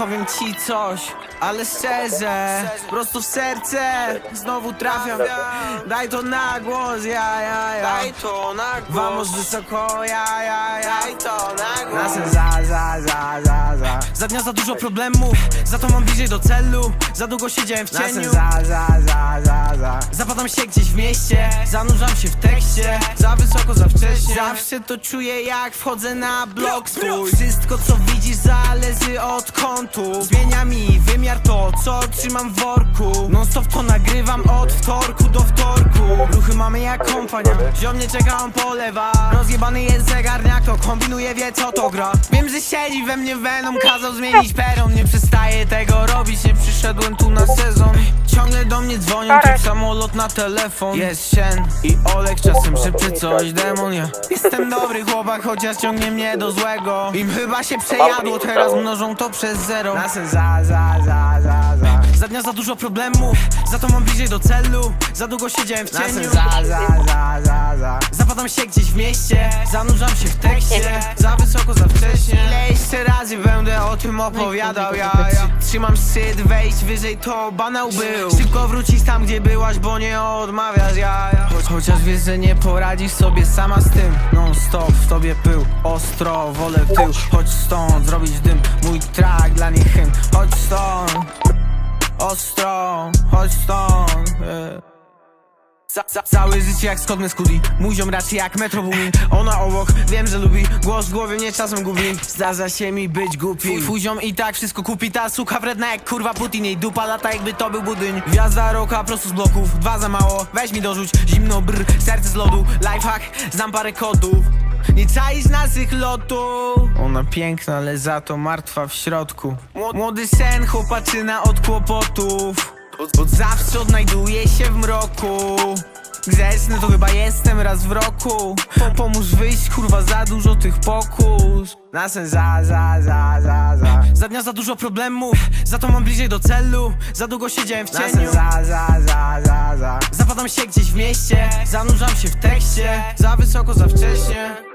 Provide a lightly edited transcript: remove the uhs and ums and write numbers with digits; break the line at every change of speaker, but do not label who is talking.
powiem ci coś, ale szczerze, prosto w serce, znowu trafiam. Daj to na głos, ja.
Daj to na głos.
Vamos wysoko, ja.
Daj to na głos.
Nasem za. Za dnia za dużo problemów, za to mam bliżej do celu. Za długo siedziałem w cieniu. Za. Zapadam się gdzieś w mieście, zanurzam się w tekście. Za wysoko, za wcześnie. Zawsze to czuję jak wchodzę na blok swój. Wszystko co widzisz zależy od kątu. Zmienia mi wymiar to co trzymam w worku. Non stop to nagrywam od wtorku do wtorku. Ruchy mamy jak kompania, ziom nie czeka, on polewa. Rozjebany jest zegarniak, to kombinuje, wie co to gra. Wiem, że siedzi we mnie Venom, kazał zmienić peron. Nie przestaję tego robić, nie przyszedłem tu na sezon. Ciągle do mnie dzwonią, typ samolot na telefon. Jest Shen i Olek, czasem szepcze coś demon, ja. Jestem dobry chłopak, chociaż ciągnie mnie do złego. Im chyba się przejadło, teraz mnożą to przez zero. Nasem za dnia za dużo problemów, za to mam bliżej do celu. Za długo siedziałem w cieniu. Zapadam się gdzieś w mieście, zanurzam się w tekście. Za wysoko, za wcześnie. Ile jeszcze razy będę o tym opowiadał, ja. Trzymam szczyt, wejść wyżej to banał był. Szybko wrócić tam gdzie byłaś, bo nie odmawiasz, ja. Chociaż wiesz, że nie poradzisz sobie sama z tym. Non stop w tobie pył, ostro, wolę w tył. Chodź stąd, zrobić dym, mój track dla nich hymn. Chodź stąd, ostro, chodź stąd, Całe życie jak skodny skudi, mój ziom raczej jak Metro Boomin. Ona obok, wiem, że lubi, głos w głowie mnie czasem gubi. Zdarza się mi być głupi, twój ziom i tak wszystko kupi. Ta suka wredna jak kurwa Putin, jej dupa lata jakby to był budyń. Gwiazda roka prosto z bloków, 2 za mało, weź mi dorzuć. Zimno brr, serce z lodu, lifehack, znam parę kodów. Nie czaisz naszych lotów. Ona piękna, ale za to martwa w środku. Młody sen, chłopaczyna od kłopotów. Bo zawsze odnajduję się w mroku. Grzeczny to chyba jestem raz w roku. Pomóż wyjść, kurwa, za dużo tych pokus. Nasem za dnia za dużo problemów, za to mam bliżej do celu. Za długo siedziałem w cieniu. Zapadam się gdzieś w mieście, zanurzam się w tekście. Za wysoko, za wcześnie.